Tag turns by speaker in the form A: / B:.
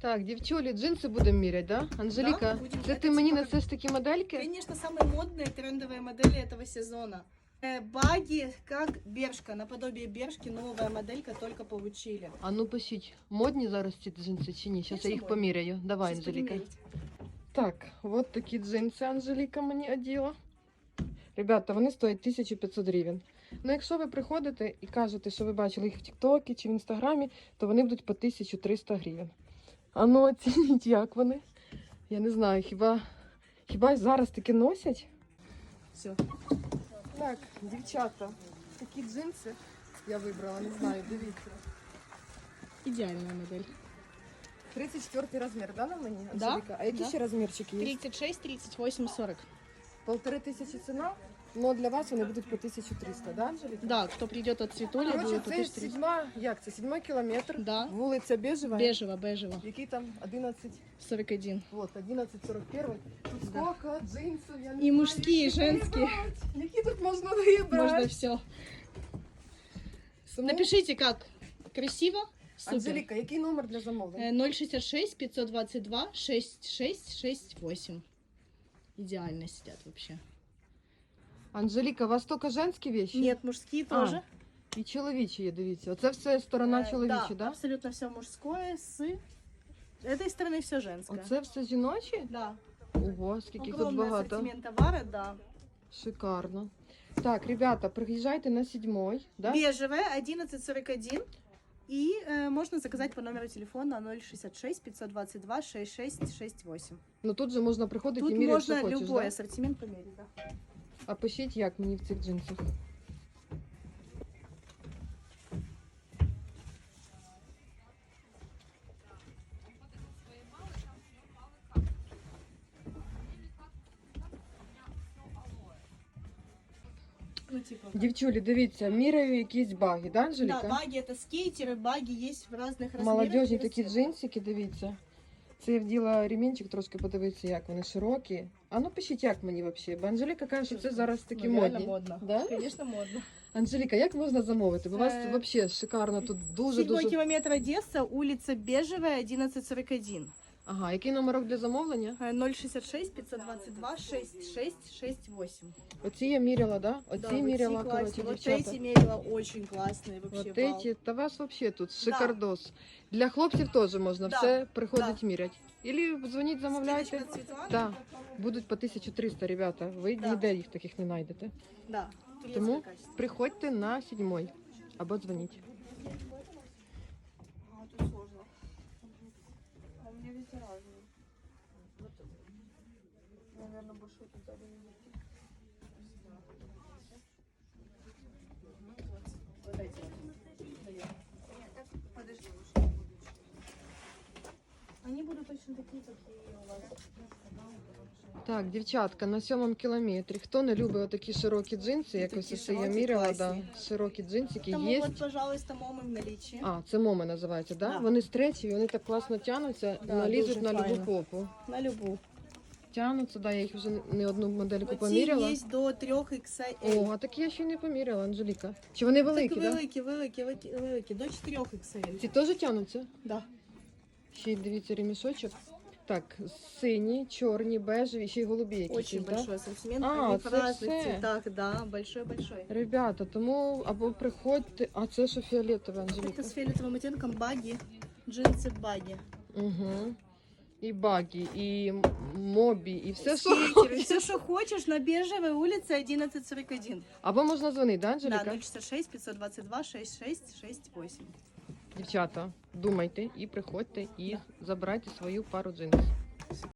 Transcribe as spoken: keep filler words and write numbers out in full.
A: Так, дівчулі, джинси будемо міряти, да? Анжеліка,
B: будем.
A: це
B: Это
A: ти мені
B: типа-
A: несеш такі модельки?
B: Конечно, самые модные трендовые модели этого сезона. Э, Баги, как Бершка, наподобие Бершки, новая моделька, только получили.
A: А ну пишіть, модні зараз ці джинси чи ні? Зараз я
B: Конечно,
A: їх
B: модні.
A: поміряю. Давай,
B: Сейчас
A: Анжеліка.
B: будем мерить.
A: Так, от такі джинси Анжеліка мені оділа. Ребята, вони стоять тисячу п'ятсот гривень. Ну, якщо ви приходите і кажете, що ви бачили їх в Тіктокі чи в Інстаграмі, то вони будуть по тисячу триста гривень. А ну, оцініть, як вони. Я не знаю, хіба, хіба зараз таки носять?
B: Все.
A: Так, дівчата, такі джинси я вибрала, не знаю, дивіться.
B: Идеальная модель.
A: тридцять четвертий розмір, да, на мені,
B: Да,
A: Анжеліка? А які
B: да.
A: ще розмірчики є?
B: тридцать шесть, тридцать восемь, сорок.
A: Полтори тисячі ціна, але для вас вони будуть по тисячу триста, да, Анжеліка?
B: Да, кто придет от Цветули,
A: Короче,
B: будет по
A: це
B: тысяче триста.
A: сідьма, як це, сідьмий кілометр,
B: Да.
A: вулиця Бежева,
B: Бежево, бежево.
A: який там одинадцять,
B: сорок один.
A: вот, одинадцять сорок один. Тут
B: Да.
A: сколько джинсів, я не
B: И
A: знаю,
B: мужские, и
A: які
B: женские.
A: вибрати. Які тут можна вибрати?
B: Можно все.
A: Тому,
B: Напишите, как. Красиво? Супер.
A: Анжеліка, який номер для замовлення?
B: Э, ноль шестьдесят шесть, пятьсот двадцать два, шесть шесть шесть восемь. Идеально сидят вообще.
A: Анжеліка, у вас тільки женські вещи?
B: Нет, мужские
A: А,
B: тоже.
A: І чоловічі є, дивіться. Оце все сторона
B: Э,
A: чоловіча,
B: да,
A: да?
B: абсолютно все мужское с этой стороны все женское.
A: Оце все жіночі?
B: Да.
A: Ого, скільки їх тут
B: Огромный
A: багато.
B: ассортимент товара, да.
A: Шикарно. Так, ребята, приїжджайте на седьмой, да?
B: Бежевая, одиннадцать сорок один. И э, можно заказать по номеру телефона ноль шестьдесят шесть, пятьсот двадцать два, шесть шесть шесть восемь.
A: Ну тут же можна приходити
B: Тут
A: і міряти,
B: можно
A: що хочеш,
B: любой
A: да?
B: ассортимент померить, да.
A: А пишіть, як мені в цих джинсах.
B: Ну, типа.
A: Дівчулі, дивіться, міряю якісь баги, да,
B: Да,
A: Анжеліка?
B: баги это скейтеры, баги есть в разных размерах.
A: Молодежні
B: и
A: такі
B: расцветках.
A: джинсики, дивіться. Це я вділа ремінчик, трошки подивитися, як вони широкі. А ну пишіть, як мені взагалі. Бо Анжеліка каже, що це зараз такі
B: Ну, реально
A: модні.
B: модно.
A: Да?
B: Конечно, модно.
A: Анжеліка, як можна замовити? Бо у вас
B: Е,
A: взагалі шикарно, тут
B: Седьмой
A: дуже-дуже...
B: километр Одесса, улица Бежевая, одиннадцать сорок один.
A: Ага, який номерок для замовлення?
B: Э, ноль шестьдесят шесть, пятьсот двадцать два, шесть шесть шесть восемь.
A: Оці я міряла, да? Оці
B: Да, вот
A: міряла,
B: эти
A: коротше,
B: классные. Вот
A: дівчата.
B: эти мерила очень классные вообще.
A: Вот
B: вау.
A: эти, та вас вообще тут шикардос. Для хлопців теж можна
B: Да,
A: все приходить міряти. Ілі дзвоніть, замовляйте.
B: Скидочка от Светланы.
A: Да. Будуть по тисячу триста, ребята. Ви
B: Да.
A: ніде їх таких не знайдете.
B: Да. турецкое
A: Тому
B: качество.
A: приходьте на сьомий або дзвоніть.
B: А, тут сложно. А у меня везде разные. Наверное, большой тут даже не найти. Вот эти вот. Даём. Подожди, лучше. Они будут точно такие, какие у вас.
A: Так, дівчатка, на сьомому кілометрі. Хто не любить отакі широкі джинси, як
B: Такі
A: ось це я
B: широкі,
A: міряла, да,
B: класні.
A: широкі джинсики
B: Тому
A: є.
B: вот, пожалуйста, момы в наличии.
A: А, це моми називається, да?
B: Да.
A: Вони стречі, вони так класно тянуться,
B: Да,
A: налізуть
B: дуже
A: на любу
B: файно.
A: попу.
B: На любую.
A: Тянуться, да, я їх вже не одну модельку
B: Мотив
A: поміряла.
B: есть до трьох ікс ель.
A: О, а такі я ще й не поміряла, Анжеліка. Чи вони великі,
B: так,
A: да?
B: великі, великі, великі, великі, до чотирьох ікс ель.
A: Ці теж тянуться?
B: Да.
A: Ще й дивіться ремішочок. Так, сині, чорні, бежеві, ще й голубі якісь,
B: Очень
A: да?
B: большой ассортимент.
A: А,
B: Они в
A: це
B: разных
A: все.
B: цветах, да, большой-большой.
A: Ребята, тому або приходьте, а це що фіолетове,
B: Это
A: Анжеліка?
B: с фиолетовым оттенком баги, джинсы баги.
A: Угу. І багі, і м- мобі, і все, що
B: Скейтеры,
A: хочеш.
B: все, что хочешь, на Бежевой улице одиннадцать сорок один.
A: Або можна дзвонити, да,
B: Да,
A: Анжеліка?
B: ноль шестьдесят шесть, пятьсот двадцать два, шесть шесть шесть восемь.
A: Дівчата, думайте і приходьте, і забирайте свою пару джинсів.